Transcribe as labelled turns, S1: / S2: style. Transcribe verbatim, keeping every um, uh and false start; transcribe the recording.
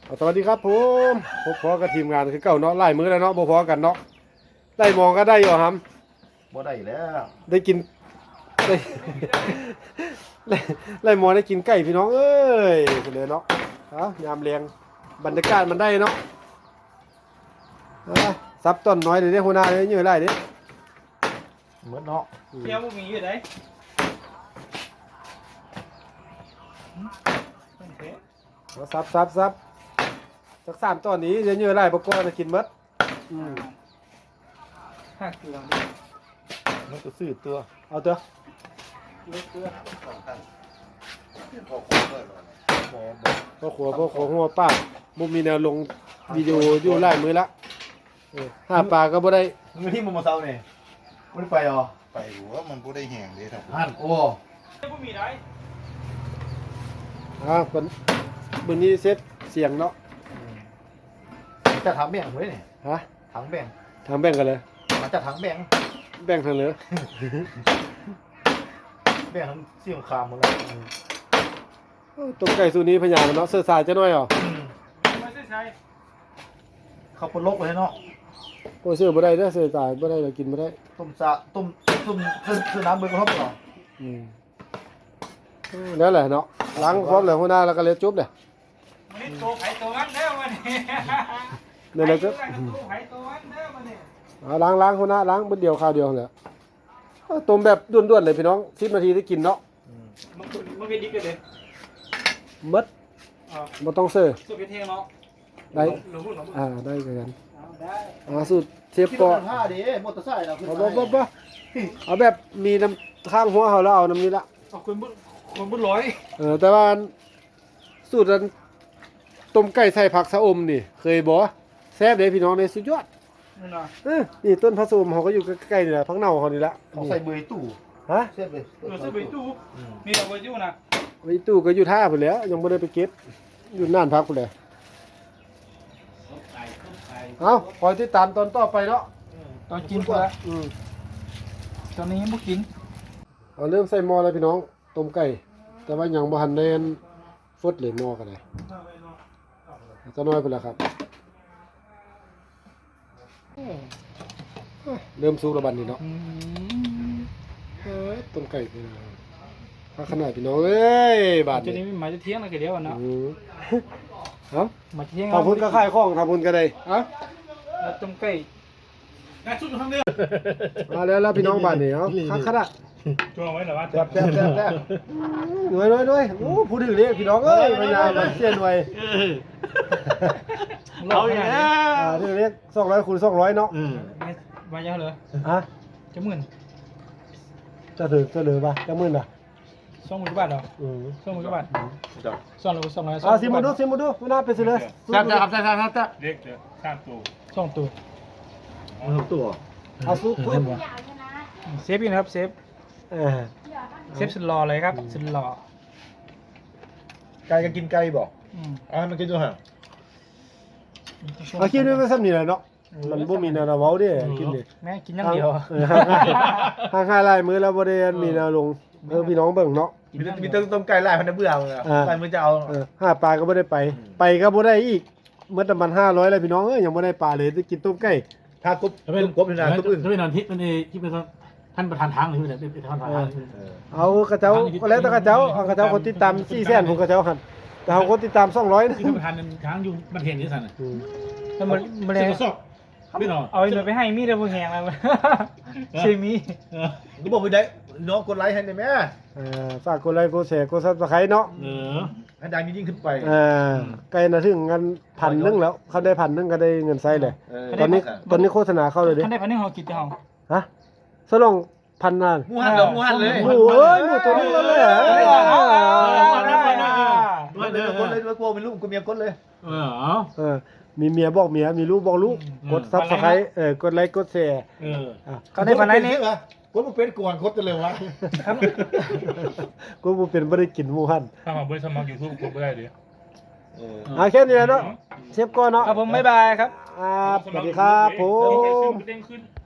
S1: สวัสดีครับผมพบพอกับทีมงานคือเก่าเนาะไล่มือแล้วเนาะบ่พอกันเนาะไล่มองก็ได้อยู่ครับ
S2: บ่ได้แล้ว
S1: ได้กินได้ไล่ไล่มองได้กินไก่พี่น้องเอ้ยเลยเนาะฮะยามเลียงบรรยากาศมันได้เนาะฮะซับต้นน้อยเดี๋ยวนี้หัวหน้าเลยยื้อไล่ดิ
S2: เหมือนเนาะ
S3: เที่ยวบ่มีอยู่ไหน
S1: เอาซับซับซับสักสามต้นนี้เดี๋ยวยื้อไล่บ่ก่อนจะกินหมดอืม
S3: หักเกลือ
S2: มันก็ซื้อตัว
S1: เอาเถอะ
S3: เลือดเกลือ
S2: บ่บ่
S1: พ่อขัวพ่อขัวหัวป้าบ่มีแนวลงวิดีโออยู่ไล่มือละเออหาปลาก็บ่ได้
S2: มือที่มันมาเซาเนี่ยมันไปอ๋อ
S4: ไปหัวมันบ่ได้แห้งเด้ครับ
S2: หันโอ้
S3: เที่ยวบ่มีไหน
S1: อ่าคนมื้อนี้เซฟเสียงเนาะ
S2: จะถามแบ่งไว้เนี่ย
S1: ฮะ
S2: ถังแบ่ง
S1: ทำแบ่งกันเลย
S2: มันจะถังแบ่ง
S1: แบ่งทางเหลือ
S2: แบ่งทั้งเสี่ยงคามหมดแล้ว
S1: ตรงไก่สูตรนี้พญามันเนาะเสื้อสายจะน้อยเหรอ
S3: ไม่ใช่ใช่
S2: เขาปนลกเลยเนาะ
S1: โอ้ยเสื้อบ่ได้เด้อเสื้อสายบ่ได้เรากินบ่ได้
S2: ต้มซะต้มต้มซื้อซื้อน้ำเบิ่งเขาบ่
S1: อืมแล้วแหละเนาะล้างพร้อมแล้วหัวหน้าแล้วก็เลยจุ๊บเด้อ
S3: มันนี่โตไผโตมันเด้อมันนี่
S1: นั่นแหละก็
S3: โตไผโตมันเด้อมันนี่
S1: เอาล้างล้างหัวหน้าล้างมื้อเดียวคราวเดียวนั่นแหละเอาต้มแบบด่วนๆเลยพี่น้องสิบนาทีได้กินเนาะ
S3: มันมันเป็นดิกันเลย
S1: หมด
S3: อ๋อ
S1: บ่ต้องเสื้อ
S3: สุดเป็นเทเนาะ
S1: ได้
S3: หนูหนู
S1: อ่าได้คือกัน
S3: เอาได้
S1: อ่าสูตรเชฟ
S2: ที่
S1: ก็
S2: มันผ้าดิมอเตอร์ไซค์เราขึ้น
S1: บ่
S2: มา
S1: บ่บ่บ่เอาแบบมีน้ำข้างหัวเขาแล้วเอาน้ำนี้ละ
S3: เอาคนบุญคนบุญร้อย
S1: เออแต่ว่าสูตรนั้นต้มไก่ใส่ผักสะอมนี่ เคยบ่แซ่บเด้พี่น้องเลยสุดยอด
S3: นั่นน่ะ
S1: เออนี่ต้นผักสะอมเขาก็อยู่ใกล้ๆนี่แหละผักเน่าเขานี่ละ
S2: เขาใส่เบยตู้
S1: ฮะ
S2: เสียบเลย
S3: เออซื้อไปตู้นี่เอาไว้อยู่นะ
S1: ไอ้ตู้ก็อยู่ท่าพุ่นแหล้วยังบ่ได้ไปเก็บอยู่น่านพักพุ่นแหละเอ้าคอยติดตามตอนต่อไปเนาะ
S3: ตอนกินเพื่อ
S1: อืม
S3: ตอนนี้ยังบ่กิน
S1: เอาเริ่มใส่หม้อแล้วพี่น้องต้มไก่แต่ว่ายังบ่ทันได้อันฟดเลยหม้อกันเลยจะน้อยพุ่นละครับเริ่มสุกแล้วบัดนี้เนาะ
S3: อืม
S1: เอ้ยต้มไก่พี่น้องพาขนาดพี่น้องเอ้ยบาด
S3: จะ
S1: นี้
S3: นี่มาจะเที่ยงแล้วก็เดียวอะเนาะ
S1: อืมเอ้า
S3: มาจะเที่ยง
S1: ทำพุ่นก็ขายของทำพุ่นก็ได้เอ้า
S3: แล้วต้มไก่งานชุดอยู่ข้างเดียว
S1: มาแล้วแล้วพี่น้องบาดนี้เอ้าคักขนาด
S3: ช่วงไว้เหรอวะ
S2: แซ่บแซ่บแซ่บแซ่บ
S1: หน่วยหน่วยหน่วยโอ้พูดถึงเลยพี่น้องเอ้ยพญามาเสียหน่วย
S3: เราอย่างนี้
S1: อ่าที่เรียกสองร้อยคูณสองร้อยเนาะ
S3: มาเยอะเลย
S1: ฮะ
S3: จะหมื่น
S1: จะถือจะเหลือป่ะจะหมื่นอ่ะ
S3: สองหมื่นกว่าบาทเหรอ
S1: อืม
S3: สองหมื่นกว่าบาทสองร้อยสองร้อย
S1: อ่าสิมาดูสิมาดูไม่น่าเป็นสิเลย
S2: แซ่บครับแซ่บแซ่บแซ่บ
S5: เล็กเดี๋ยวข้ามตัว
S3: สองตัว
S2: มันตัว
S1: เอาซุป
S3: เซฟอยู่นะครับเซฟ
S1: เออ
S3: เซฟสุดหล่อเลยครับสุดหล่อ
S2: ไก่ก็กินไก่บอก
S3: อืม
S2: อ่ามันกินตัวห่าง
S1: เอาคิดด้วยว่าซ้ำนี่แหละเนาะมันบ่มีแนวเว้าเด้กินดิ
S3: แม่กินอย่างเดียว
S1: เออห่างๆห่างๆลายมือแล้วบ่ได้มีแนวลงเออพี่น้องเบิ่งเนาะ
S2: มีแต่มีแต่ต้มไก่ลายพันธุ์เบื่อมึงอ่ะ
S1: อ่า
S2: ลายมือจะเอา
S1: เออหาปลาก็บ่ได้ไป ไปก็บ่ได้อีกเมื่อตะมันห้าร้อยแล้วพี่น้องเอ้ยยังบ่ได้ปลาเลยจะกินต้มไก่
S2: ถ้ากบต้มกบนี่นะต้มอึ่ง
S5: ถ้าเป็นนอนที่เป็นที่เป็นท่านประธานทางหรือเป็นเป็นท่านประธาน
S1: เอากระเจ้าก็แล้วแต่กระเจ้าเอากระเจ้าคนติดตามสี่แสนผมกระเจ้าหันแต่เขาคนติดตามสองร้อยนะ
S5: ที่ท่านประธานทางอยู่บันเทนที่สั่น
S1: อืม
S3: แล้วมันมันเลย
S5: สอบไม่นอน
S3: เอาไอ้หน่วยไปให้มีดเลยพวกแหงแล้วใช่มี
S2: ก็บอกไปได้น้องกดไลค์ให้ได้ไหม
S1: เอ่อฝากกดไลค์กดแชร์กดซับสไครต์เนาะ
S5: เออ
S2: ให้ดังยิ่งขึ้นไป
S1: เอ่าใกล้นะถึงกันพันหนึงแล้วเขาได้พันหนึงก็ได้เงินไซเลยตอนนี้ตอนนี้โฆษณาเข้าเลยดิ
S3: ท่านได้พันหนึ่งเขากินจะเอา
S1: ฮะสลองพันนาน
S2: หมูหันเลยหมูหันเลย
S1: โอ้ยหมูตัวนึงแล้วเลยเหรอ
S2: ด้วยเลยกดเลยด้วยกลัวเป็นลูกกูเมียกดเลย
S5: เออ
S1: เออมีเมียบอกเมียมีลูกบอกลูกกดซับสไครต์เออกดไลค์กดแชร์
S5: เออ
S1: อ่ะ
S3: เขาได้พันไหนนี้
S2: กดมาเป็นก่อนกดจะเลยวะ
S1: กูบ่เป็นบ่ได้กินหมูหัน
S5: ถ้ามาบริษัทมายูทูบกดไม่ได้ดิ
S1: อ่ะแค่นี้แหละเนาะเชฟก่อนเนาะ
S3: ครับผมบ๊ายบายครับ
S1: อ่าสวัสดีครับผม
S5: เด้งขึ้น